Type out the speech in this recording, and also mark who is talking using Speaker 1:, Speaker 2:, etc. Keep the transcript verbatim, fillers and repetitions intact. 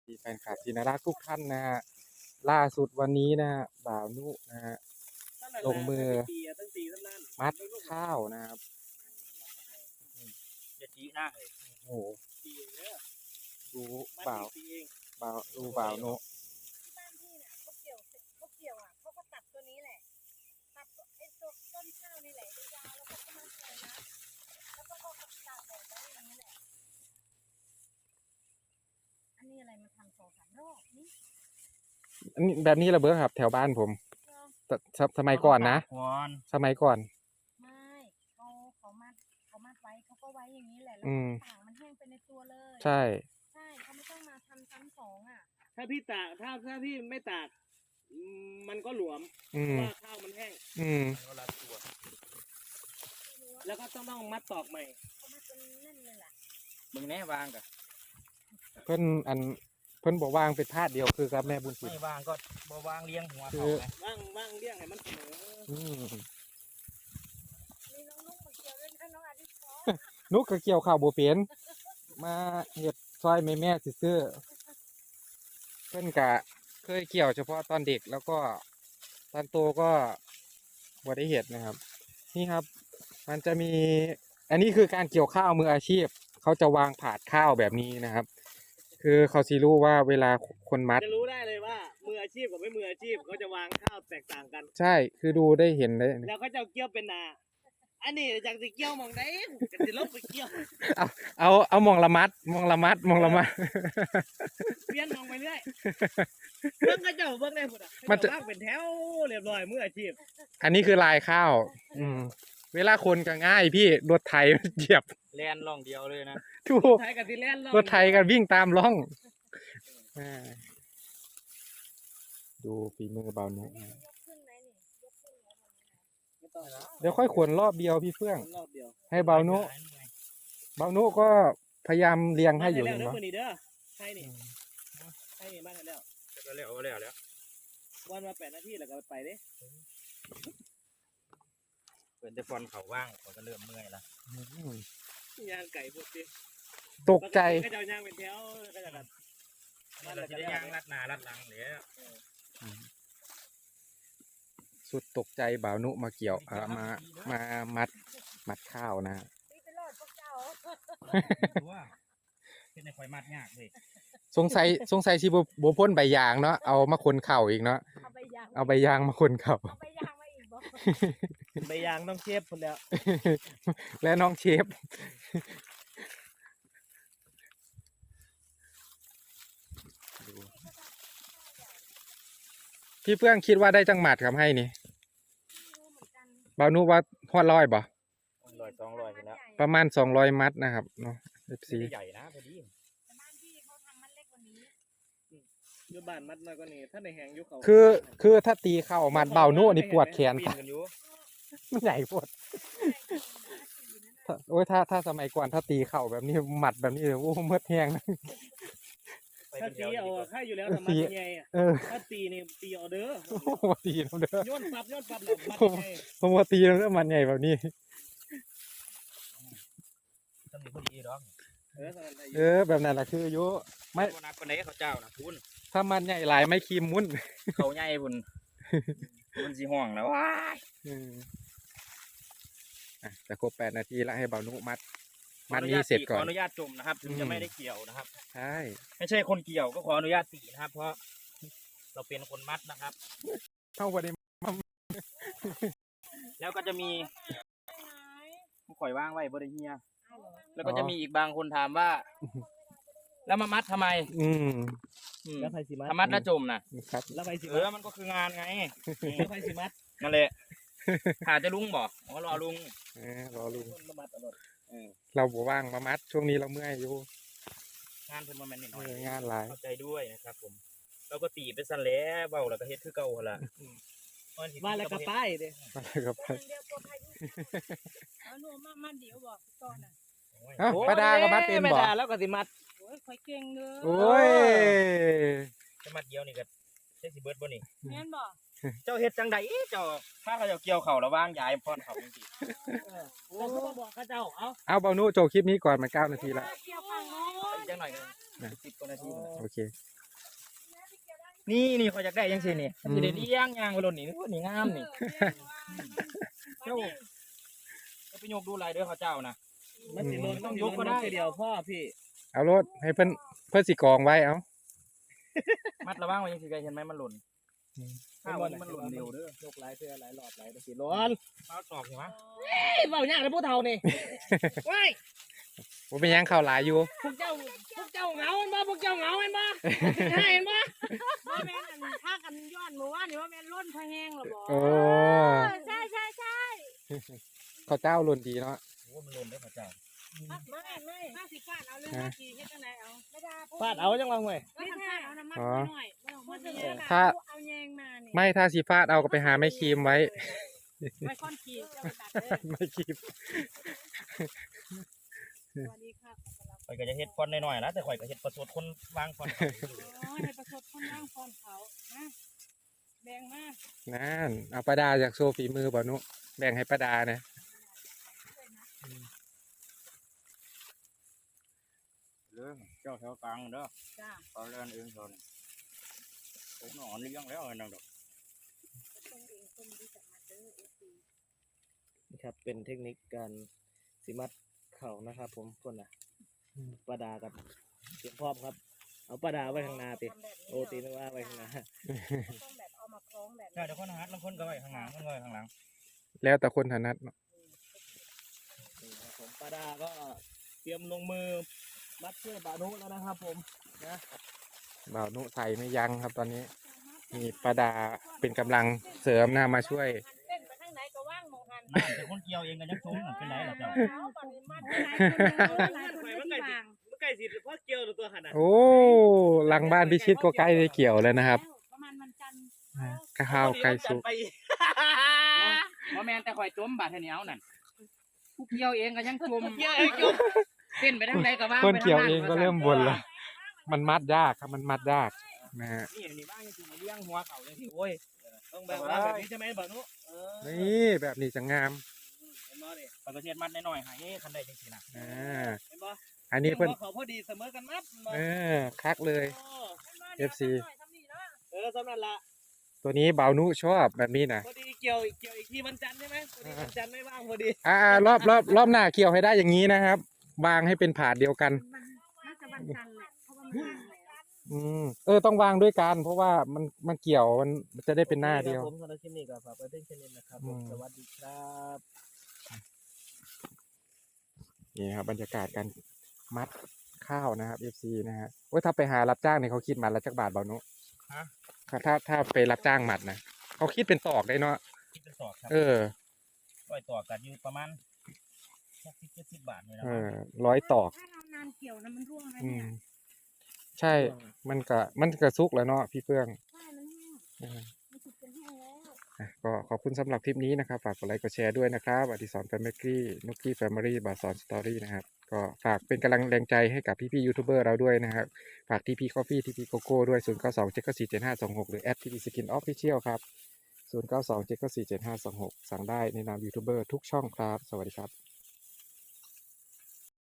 Speaker 1: ดีแฟนคลับที่น่ารักทุกท่านนะฮะล่าสุดวันนี้นะฮะบ่าวนุนะฮะลงมือมัดข้าวนะครับ
Speaker 2: อย่าจี้หน้าเลย
Speaker 1: โอ้โหดูบ่าวบ่าวดูบ่าวนุ
Speaker 3: ที่บ้านพี่เนี่ยเขาเกี่ยวเขาเกี่ยวอ่ะเขาก็ตัดตัวนี้แหละตัดไอ้ตัวต้นข้าวนี่แหละยาวๆแล้วก็มัดเลยนะแล้วก็เขาก็ตัดแบบนี้อย่างนี้แหละอันนี้อะไรมาทำสองสามรอบนี่
Speaker 1: อันนี้แบบนี้ระเบิดครับแถวบ้านผมสสมัยก่อนนะสมัยก่อน
Speaker 3: ไม่เขาเขามัดเขามัดไว้เขาก็ไว้อย่างนี้แหละแล้วต่างมันแห้งไปในตัวเลย
Speaker 1: ใช่
Speaker 3: ใช่เขาไม่ต้องมาทำซ้ำสองอ่ะ
Speaker 2: ถ้าพี่ตากถ้าถ้าพี่ไม่ตากมันก็หลวมเพราะว่าข้าวมันแห้ง
Speaker 1: อืม
Speaker 2: แล้วก็ต้องต้องมัดตอกใหม่
Speaker 3: เขามัดจนแน่นเลยล่ะ
Speaker 2: มึงแน่วางกะ
Speaker 1: เพิ่นอันเพิ่นบอกวางเป็นพาดเดียวคือกับแม่บุญศรี
Speaker 2: ไม่วางก็บ่วางเลี้ยงหัวเขาไงวางวางเลี้ยงให้มันเสมอ
Speaker 1: อืม
Speaker 3: มีน้องนุ๊กมาเกี่ยวด้วยนะน้องอาทิตย์
Speaker 1: นุ๊กก็เกี่ยวข้าวบ่เป็นมาเฮ็ดซอยแม่แม่ซื่อเพิ่นกะเคยเกี่ยวเฉพาะตอนเด็กแล้วก็ตอนโตก็บ่ได้เฮ็ดนะครับนี่ครับมันจะมีอันนี้คือการเกี่ยวข้าวมืออาชีพเขาจะวางผาดข้าวแบบนี้นะครับคือเขาสิรู้ว่าเวลาคนมัด
Speaker 2: จะรู้ได้เลยว่ามืออาชีพกับไม่มืออาชีพเขาจะวางข้าวแตกต่างกัน
Speaker 1: ใช่คือดูได้เห็นได้
Speaker 2: แล้วเขาจะเกี่ยวเป็นนาอันนี้จากสิเกี่ยวมองได้จะสิลบไปเกี่ยว
Speaker 1: เอาเอาเอามองละมัดมองละมัดมองละมัด
Speaker 2: เปลี่ยนมองไปเรื่อยเบิ่งก็เจ้าเบิ่งได้พุ่นอ่ะมันจะวางเป็นแถวเรียบร้อยมืออาชีพ
Speaker 1: อันนี้คือลายข้าวอืมเวลาคนก็ง่ายพี่รถไถเหยียบ
Speaker 2: แล่นล่องเดียวเลยนะ
Speaker 1: ถูกรถไถกับสิแล่นล่องรถไถกันวิ่งตามล่องดูฝีมือเบาหนุ่มเดี๋ยวค่อยขวนรอบเดียวพี่เฟื่องให้เบาหนุ่มเบาหนุ่มก็พยายามเลี้ยงให้อยู่เห็นไหม
Speaker 2: ให้นี่ให้นี่มาแล้วก็แล้วแล้วแล้ววันมาแปดนาทีแล้วก็ไปดิเปิดแต่ฟอนเขาว่างเขาก็เริ่มเมื่อยละย่างไก่พวกนี้
Speaker 1: ตกใจ
Speaker 2: ก็จะย่างเป็นแถวก็จะแบบเราจะย่างรัดหน้ารัดหลังเลย
Speaker 1: สุดตกใจบ่าวนุมาเกี่ยวอ่ามามามัดมัดข้าวนะ
Speaker 2: เป็นในควายมัดยากเลย
Speaker 1: สงสัยสงสัยชีบโบพ่นใบยางเนาะเอามาคนเข่าอีกเนาะเอาใบยางมาคนเข่า
Speaker 3: ใบยางมาอีกบ่
Speaker 2: ใบยางต้องเชฟคนแล้ว
Speaker 1: และน้องเชฟพี่เพื่อนคิดว่าได้จังหมัดครับให้นี่บ่าวนุว่าพอดร้อยบ่
Speaker 2: ร้อยสองร้อยแล้ว
Speaker 1: ประมาณสองร้อยมัดนะครับเนาะเอฟซี
Speaker 2: ใหญ่นะพอดี
Speaker 3: บ้านพี่เขาทำมัดเล็กกว่านี้
Speaker 2: ยุบ้านมัดน้อยกว่านี้ถ้าในแหงยุเขา
Speaker 1: คือคือถ้าตีเข้ามัดบ่าวนุนี่ปวดแขนมันใหญ่ปวดโอ้ยถ้าถ้าสมัยก่อนถ้าตีเข่าแบบนี้หมัดแบบนี้โอ้เมื่อแห้ง
Speaker 2: ถ้าตีเอาค่าอยู่แล้วแต่มัดยังไงอ่ะถ้าตีนี่ตีเอาเด้อ
Speaker 1: ผมตีเอาเด้อ
Speaker 2: ย้อนปับย้อนปับแล้วมัดยังไง
Speaker 1: ผมว่าตีแล้วก็มันใหญ่แบบนี้
Speaker 2: ต้องมีพอดีดอก
Speaker 1: เออแบบนั้นแหละคืออายุ
Speaker 2: ไม่นักคนไหนเขาเจ้านะคุณ
Speaker 1: ถ้ามันใหญ่หลายไม่คีมมุ้น
Speaker 2: เขาใหญ่บุญมันสีห่วงแล้วว้าย
Speaker 1: แต่ครบแปดนาทีแล้วให้เบานุมัดมัดนี้เสร็จก่อน
Speaker 2: ขออนุญาตจมนะครับถึงจะไม่ได้เกี่ยวนะครับ
Speaker 1: ใช่
Speaker 2: ไม่ใช่คนเกี่ยวก็ขออนุญาตตีนะครับเพราะเราเป็นคนมัดนะครับ
Speaker 1: เข้าไปใน
Speaker 2: แล้วก็จะมีข่อยว่างไว้บริเฮียแล้วก็จะมีอีกบางคนถามว่าแล้วมามัดทำไม
Speaker 1: อืม
Speaker 2: แล้วใครสิมัดมัดแล้วจมนะแล้วใครสิมัดเออมันก็คืองานไงแล้วใครสิมัดนั่นแหละหาจะลุงบอกอ๋อรอลุง
Speaker 1: เออรอลุงเราบ่ว่างมามัดช่วงนี้เราเมื่อยอยู่
Speaker 2: งานเพิ่นมาแม่นนิดหน่อย
Speaker 1: งานหลาย
Speaker 2: เข้าใจด้วยนะครับผมเราก็ตีไปสั่นแล้วเบาแล้วก็เฮ็ดคือเก่าหั่นล่ะมาแล้วก็ไปเด้
Speaker 1: มาแล้วก็ไป
Speaker 3: เอาหนูมามัดเดี๋ยวบอกก่อนน่ะ
Speaker 1: ฮะป้าดาก็มัดเป็นบ่
Speaker 2: ป้าดาแล้วก็สิมัด
Speaker 3: โอ้ยข่อยเก่งเด้อ
Speaker 1: โอ้ย
Speaker 2: จะมัดเดียวนี่ก็ได้สิเบิดบ่นี่
Speaker 3: แม่นบ่
Speaker 2: เจ้าเฮ็ดจังได๋เจ้าถ้าเขาเจ้าเกี่ยวเข้าระว่างยายพรเขาจังซี่โอ้บอกเขาเจ้าเอา
Speaker 1: เอาเบานุโจคลิปนี้ก่อนมันเก้านาทีแล้ว
Speaker 3: เกี่ยวข้างน้อย
Speaker 2: จังหน่อยสิบกว่านาที
Speaker 1: โอเค
Speaker 2: นี่นี่เขาอยากได้ยังสินี่สิได้เลี้ยงยางไปหล่นนี่นี่นี่งามนี่เจ้าจะไปยกดูลายเด้อเขาเจ้านะ
Speaker 4: มันสิลนต้องยกก็ได้เดียวพ่อพี่
Speaker 1: เอารถให้เพิ่นเพิ่นสิกองไว้เอา
Speaker 2: มัดระวังไว้ยังสิไกเห็นไหมมันหล่น
Speaker 4: ข้า
Speaker 2: ข้าว
Speaker 4: ว
Speaker 2: นี้
Speaker 4: มั
Speaker 2: มัน น
Speaker 4: ห
Speaker 2: ห
Speaker 4: ล่
Speaker 2: ล่
Speaker 4: น
Speaker 2: น
Speaker 4: เร็
Speaker 2: เร็
Speaker 4: ว
Speaker 2: ว
Speaker 4: เด้
Speaker 2: เด้
Speaker 4: อ
Speaker 2: อย
Speaker 4: กหลายเพื่อหลายหลอดหลายสิร้อน
Speaker 2: ข้าวตอกหัว
Speaker 4: เฮ้ยเบาหยาแล้วผู้เฒ่านี่ว้าย
Speaker 1: บ่เป็นหยังเข้าหลายอยู่
Speaker 4: พวกเจ้าพวกเจ้าเหงาเห็นบ่พวกเจ้าเหงาเห็นบ่ให้เห็นบ่
Speaker 3: ว่าแม่นอันถ้ากันย้อนหมู่ว่านี่ว่าแม่นล้นพะแห้งหรอบ่
Speaker 1: โอ้
Speaker 3: ใช่ใช่ใช่
Speaker 1: ข้าวเจ้าหล่นดีเนาะ
Speaker 2: โอ้มันหล่นเด้อเขาเจ้า
Speaker 3: ไม่ไม่ถ้าสิฟาดเอาเรื่องว่าสิเฮ็ดจังไดเอาไม่ได้
Speaker 4: ฟาดเอาจังว่าห่วย
Speaker 3: ไม่ฟาดเอาน้ำมันหน่อยบ่ต้องมาเยอะ
Speaker 1: ถ้า
Speaker 3: เอาแยงมานี่
Speaker 1: ไม่ถ้าสีฟาดเอาก็ไปหาไม้ครีมไว้
Speaker 3: ไว้ค่อนขีดจะไปตัดเด้อ
Speaker 1: ไม้ครีม
Speaker 3: สวัสดีครับ
Speaker 2: ข่อยก็จะเฮ็ดฟอนน้อยๆนะแต่ข่อยก็เฮ็ดประสดคนวางฟอน
Speaker 3: อ๋อในประสบคนนั่งฟอนเขานะแบ่งมา
Speaker 1: นั่นเอาประดาจากโซฝีมือบ่นุแบ่งให้ประดานะ
Speaker 2: เรื่องเจ้าแถวกลางเด้อ
Speaker 3: จ้า
Speaker 2: ตอนเล่นเองตอนผมนอนเลี้ยงแล้วนั่งดอก
Speaker 3: ตรงเองคนดีจักมาเด้อ เอฟ ซี
Speaker 4: นี่ครับเป็นเทคนิคการสิมัดเข่านะครับ ผมคนน่ะปลาดากับเตรียมพร้อมครับ เอาปลาดาไว้ข้างหน้าติโอตีนึกว่าไว้ข้างหน้า
Speaker 3: ต้องแบบเอามาคล้องแบบ
Speaker 2: ใช่เดี๋ยวคนหัดบางคนก็ไว้ข้างหลังคนก็ไว้ข้างหลัง
Speaker 1: แล้วแต่คนถนัดเนาะ
Speaker 4: นี่ครับผมปลาดาก็เตรียมลงมือมัดเชือกบานุแล้วนะครับ ผมนะ
Speaker 1: บ่าวนุใส่ไม่ยั้งครับตอนนี้มีประดาเป็นกำลังเสริมนะมาช่วย
Speaker 3: เต้นไปทางไหนก็ว่างมองหัน
Speaker 2: นั่นแต่คนเกี่ยวเองก็ยังสูงเป็นไรล่ะเจ้า
Speaker 3: เอาบัดนี้มัดหลายคนหลายคนที่วาง
Speaker 4: เมื่อไก่สิพ่อเกี่ยวตัวหันอ่ะ
Speaker 1: โอ้หลังบ้านพิชิตก็ใกล้ได้เกี่ยวแล้วนะครับ
Speaker 3: ประมาณวันจันทร์
Speaker 1: ข้าวไก่สุก
Speaker 2: บ่แม่นแต่ข่อยจมบาดเทานี้เอานั่นผู้เกี่ยวเองก็ยังจม
Speaker 4: เกี่ยวเองจม
Speaker 2: เต้นไปทางใดก็ว่าง
Speaker 1: คนเกี่ยวเองก็เริ่มบ่นละมันมัดยากครับมันมัดยากนะฮะ
Speaker 2: นี่นี่บ้างจริงๆเลี้ยงหัวเขาเลยที่โอ้ย
Speaker 4: ต้องแบบว่าแบบนี้ใช่ไหมบานุเออ
Speaker 1: นี่แบบนี้จะงาม
Speaker 4: เห็นบ่ดิ
Speaker 2: ปกติมัดน้อยๆให้คันได้จังซี่นะ
Speaker 1: อ่า
Speaker 4: เห็นบ่
Speaker 1: อันนี้เพิ่น
Speaker 4: เขาพอดีเสมอกันมัดบ่
Speaker 1: เออคักเลย เอฟซี
Speaker 4: เออสำนันละ
Speaker 1: ตัวนี้บ่าวนุชอบแบบนี้นะ
Speaker 4: พอดีเกี่ยวเกี่ยวอีกทีวันจันทร์ใช่ไหมพอดีวันจันทร์ไม่ว่างพอดี
Speaker 1: อ่ารอบรอบรอบหน้าเกี่ยวให้ได้อย่างนี้นะครับ วางให้เป็นผาดเดียวกัน
Speaker 3: น่าจะวันจันทร์แหละเพราะว่ามันว่างแล้ว
Speaker 1: อืมเออต้องวางด้วยกัน เพราะว่ามันมันเกี่ยวมันมันจะได้เป็นหน้าเดียว
Speaker 4: ผมสำหรับคลิปนี้ก็ฝากไว้เพียงแค่นี้นะครับผม
Speaker 1: อืม
Speaker 4: สวัสดีครับ
Speaker 1: นี่ครับบรรยากาศการมัดข้าวนะครับ เอฟ ซี นะฮะโอ้ยถ้าไปหารับจ้างเนี่ยเขาคิดมัดละจักบาทเบานุ
Speaker 2: ฮะ
Speaker 1: ถ้าถ้าไปรับจ้างมัดนะเขาคิดเป็นตอกได้เนาะ
Speaker 2: คิดเป็นตอกครับ
Speaker 1: เออ
Speaker 2: ร้อยตอกกันอยู่ประมาณหกสิบเจ็ดสิบบาทนี่แหละ
Speaker 1: เออร้อยตอก
Speaker 3: ถ้าเรานานเกี่ยวนะมันร่วงนะ
Speaker 1: อื
Speaker 3: เนี่
Speaker 1: ม
Speaker 3: ย
Speaker 1: ใช่มันก็มันก็สุกแล้วเนาะพี่เฟื่อง
Speaker 3: ใช่มันแห้ง
Speaker 1: เออ
Speaker 3: มันสุกจนแห้งแล้ว
Speaker 1: อ่ะก็ขอบคุณสำหรับคลิปนี้นะครับ ฝากกดไลค์กดแชร์ด้วยนะครับอดิศรแฟมิลี่นุกกี้แฟมิลี่บาสอนสตอรี่นะครับ ก็ฝากเป็นกำลังแรงใจให้กับพี่ๆยูทูบเบอร์เราด้วยนะครับ ฝากทีพีคอฟฟี่ทีพีโกโก้ด้วยศูนย์เก้าสองเจ็ดเก้าสี่เจ็ดห้าสองหกหรือแอดทีพีสกินออฟฟิเชียลครับศูนย์เก้าสองเจ็ดเก้าสี่เจ็ดห้าสองหกสั่งได้ในนามยูทูบเบอร์ทุกช่องครับ สวัสดีครับ